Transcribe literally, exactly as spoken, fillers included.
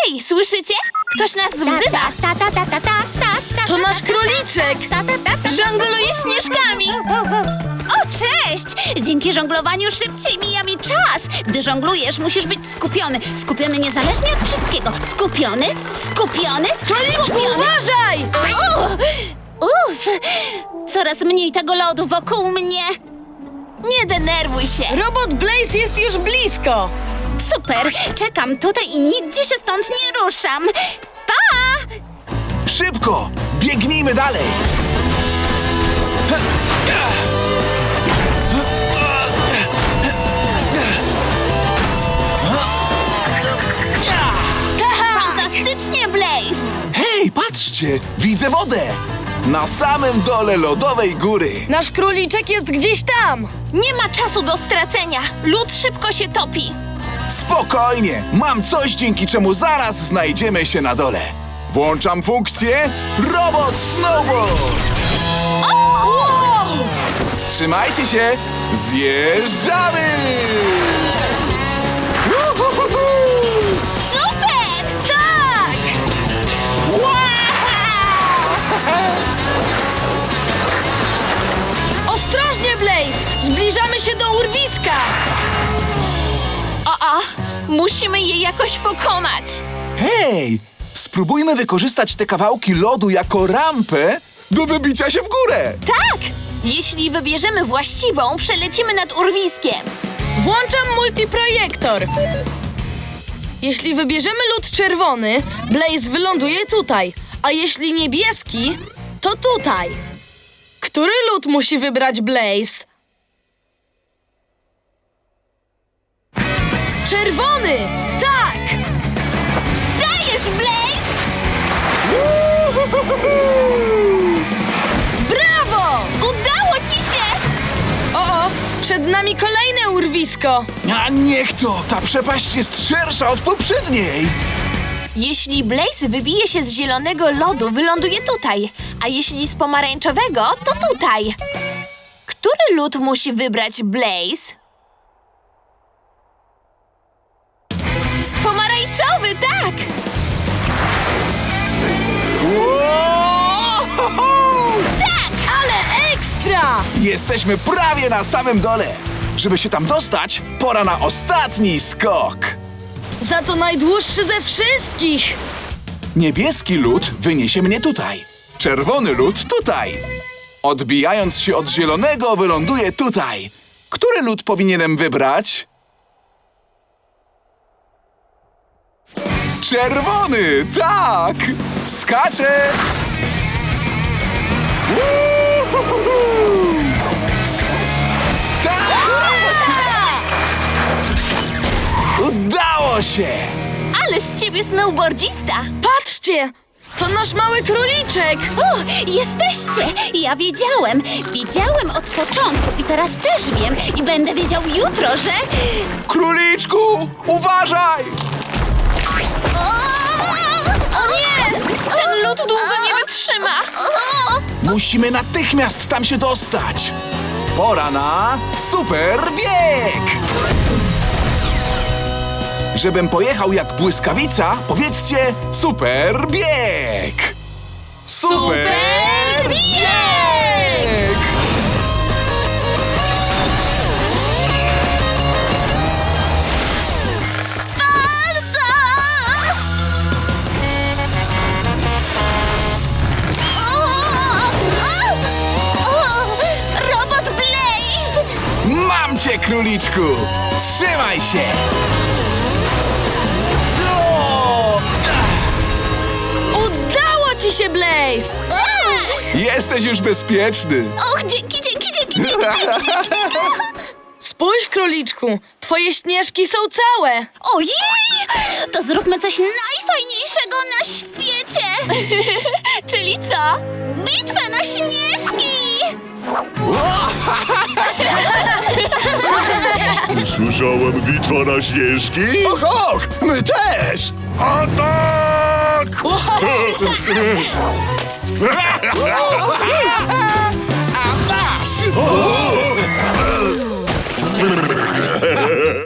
Hej, słyszycie? Ktoś nas wzywa. Ta, ta, ta, ta, ta, ta, ta, To nasz króliczek! ta, ta, ta, ta. Żongluje śnieżkami. O, cześć! Dzięki żonglowaniu szybciej mija mi czas. Gdy żonglujesz, musisz być skupiony. Skupiony niezależnie od wszystkiego. Skupiony, skupiony, Króliczku, skupiony. uważaj! O, uff! Coraz mniej tego lodu wokół mnie. Nie denerwuj się. Robot Blaze jest już blisko! Super! Czekam tutaj i nigdzie się stąd nie ruszam. Pa! Szybko! Biegnijmy dalej! Fantastycznie, Blaze. Hej, patrzcie! Widzę wodę! Na samym dole lodowej góry. Nasz króliczek jest gdzieś tam! Nie ma czasu do stracenia. Lód szybko się topi. Spokojnie! Mam coś, dzięki czemu zaraz znajdziemy się na dole. Włączam funkcję Robot Snowboard! Trzymajcie się! Zjeżdżamy! Uhuhuhu! Super! Tak! Ostrożnie, Blaze! Zbliżamy się do urwiska! O, o, musimy je jakoś pokonać. Hej! Spróbujmy wykorzystać te kawałki lodu jako rampę do wybicia się w górę! Tak! Jeśli wybierzemy właściwą, przelecimy nad urwiskiem. Włączam multiprojektor. Jeśli wybierzemy lód czerwony, Blaze wyląduje tutaj, a jeśli niebieski, to tutaj. Który lód musi wybrać Blaze? Czerwony! Tak! Dajesz, Blaze! Brawo! Udało ci się! O, o, przed nami kolejne urwisko. A niech to! Ta przepaść jest szersza od poprzedniej! Jeśli Blaze wybije się z zielonego lodu, wyląduje tutaj, a jeśli z pomarańczowego, to tutaj. Który lód musi wybrać Blaze? Pomarańczowy, tak! Tak! Ale ekstra! Jesteśmy prawie na samym dole! Żeby się tam dostać, pora na ostatni skok! Za to najdłuższy ze wszystkich! Niebieski lód wyniesie mnie tutaj. Czerwony lód tutaj. Odbijając się od zielonego, wyląduję tutaj. Który lód powinienem wybrać? Czerwony! Tak! Skaczę! Uhuhu! Tak! Udało się! Ale z ciebie snowboardzista! Patrzcie! To nasz mały króliczek! O, jesteście! Ja wiedziałem. Wiedziałem od początku i teraz też wiem. I będę wiedział jutro, że... Króliczku, uważaj! O nie! Ten lód długo nie wytrzyma! Musimy natychmiast tam się dostać. Pora na super bieg! Żebym pojechał jak błyskawica, powiedzcie super bieg! Super bieg! Robot Blaze! Mam cię, króliczku! Trzymaj się! O! Udało ci się, Blaze! Jesteś już bezpieczny! Och, dzięki, dzięki, dzięki, dzięki, dzięki, dzięki. Spójrz, króliczku, twoje śnieżki są całe! Ojej! To zróbmy coś najfajniejszego na świecie! Czyli co? Bitwę na śnieżki! Słyszałem bitwa na śnieżki? Och, och! My też! Atak! A masz!